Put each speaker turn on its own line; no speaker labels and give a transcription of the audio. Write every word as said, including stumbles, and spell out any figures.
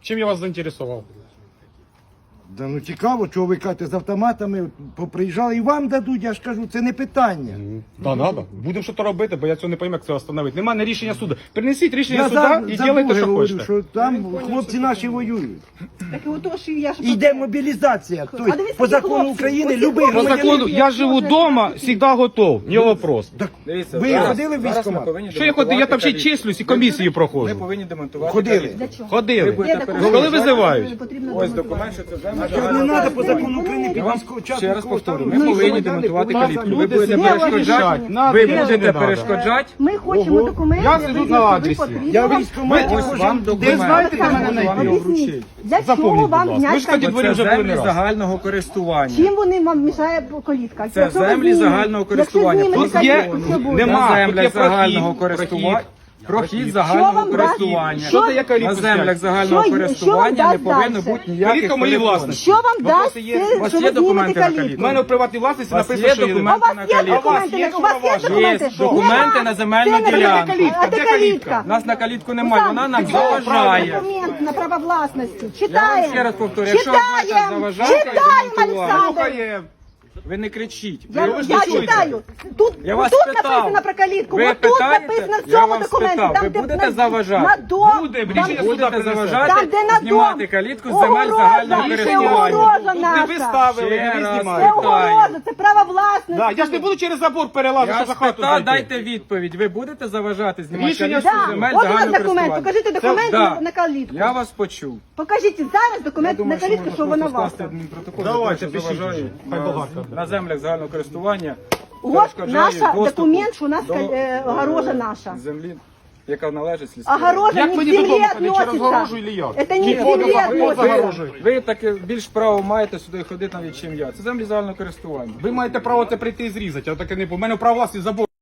Чим я вас заінтересував?
Да ну цікаво, чого ви кажете, з автоматами поприїжджали і вам дадуть, я ж кажу, це не питання.
Да, надо. Будемо щось робити, бо я цього не пойму, як це встановити. Немає рішення суду. Принесіть рішення
Я
суда
за,
і
за
ділайте,
друге
що
говорю,
хочете.
що там хлопці наші воюють.
Так і отож, я ж...
Йде мобілізація. Тобто,
А дивіться,
по
які
закону
хлопці.
України
Оці
любий
По
хлопці.
громадянин.
закону, я живу вдома, завжди готов, не вопрос.
Так,
Дивіться,
ви
зараз-
ходили в
зараз ми
військкомат?
повинні
Що я ходив? Я там ще й
демонтувати
числюсь і комісії
Ми
проходжу.
повинні демонтувати
Ходили.
калітку.
Для чого?
Ходили.
будете
Де
переїжджати?
Коли визивають?
Потрібно
Ось
демонтувати.
документ, що це земля.
Що не треба по закону України під
Я вам
військового
ще раз повторю, ми
Ну, і
повинні
що?
демонтувати
Будь ласка,
калітку. Ви
люди
будете
собі
перешкоджати,
вирішать, надо
ви
чи не
будете
надо.
перешкоджати.
Ми хочемо
Ого.
документи.
Я сиджу
визнати,
на
ви
адресі.
потрібно
Я в
вам-
військкоматі
Ось
хожу.
вам
Де
документ.
знаєте, де мене
Вам
знайти?
його
Об'ясніть,
вручить.
для чого
Запомніть,
вам
будь ласка. Ви ж
зняти
тоді
Це
дворі вже були не
землі
раз.
загального користування.
Чим вони вам мішає колітка?
Це
Якщо ви
землі
знімете-
загального користування.
Якщо
Тут
знімете
є-
калітку, що буде?
нема.
На
тут
землях
є
загального
прохід,
користування.
прохід.
Прохід
Що
загального
вам дасть?
користування.
Що-
Що дає калітку
На землях
зняти?
загального
Що-
користування
що
не
вам
повинно
дасть
бути
дальше?
ніяких
Калітка моєї
перепон.
власності.
Що вам дасть,
Вопроси є?
це,
У вас
що
є
ви знімете
документи на
У
калітку?
мене в приватній власності
У вас
написано,
є
що є.
А у
документи
вас
на
є
калітку?
документи?
Є
У вас є
що
документи?
Є документи на земельну
Це не
ділянку.
калітка.
Де
Де
калітка?
калітка?
У нас на калітку немає, вона нам
Читаємо
заважає.
документ на право власності.
Я вам
Читаємо.
ще раз повторю, якщо ви будете
Читаємо.
заважати,
Читаємо,
демонтувати.
Олександр.
Ви не кричіть.
Я,
Ви ж
я
не чуєте.
читаю. Тут,
Я вас
тут
питав.
написано про калітку.
Ви
От тут
питаєте?
написано в
Я
цьому
вам
документі.
спитав.
Там,
Ви
де
будете
на-
заважати?
На дом.
Буде,
там,
рішення суду
Будете
принесе.
заважати
там, де на
знімати
дом.
калітку з земель
Огорожа.
загального
Це
користування.
огорожа
Тут не ви
наша.
ставили, не
Ще
ви
раз
Це
знімаєте.
огорожа, це право власності.
Да, я ж не буду через забор перелазити,
Я
щоб за хату
спитав,
зайти.
дайте відповідь. Ви будете заважати знімати
Рішення
калітку
Да.
з земель
От у нас
загального
документ.
користування?
Покажіть документ
Це-
на,
да.
на калітку.
Я вас почув.
Покажіть зараз
Я
документ
думаю,
на
що
калітку,
можна
що вона
просто
ваша.
скласти адмінпротокол,
Давайте,
що
пишіть
заважаю
вже. Хай
на-
багато.
на землях загального користування.
От
перешкоджаю
наша
доступу
документ, що у нас
до,
е, огорожа
е,
наша.
Землі, яка належить сільській раді.
Огорожа
Як
не к
мені
земле
додому ходити, через
относится.
огорожу или як?
Это не
Ні,
к земле
ходимо, ходимо,
Ви,
относится.
загорожую.
ви таке більш право маєте сюди ходити навіть, чим я. Це землі загального користування.
Ви маєте право це прийти і зрізати, а таке не по. У мене право власності забор.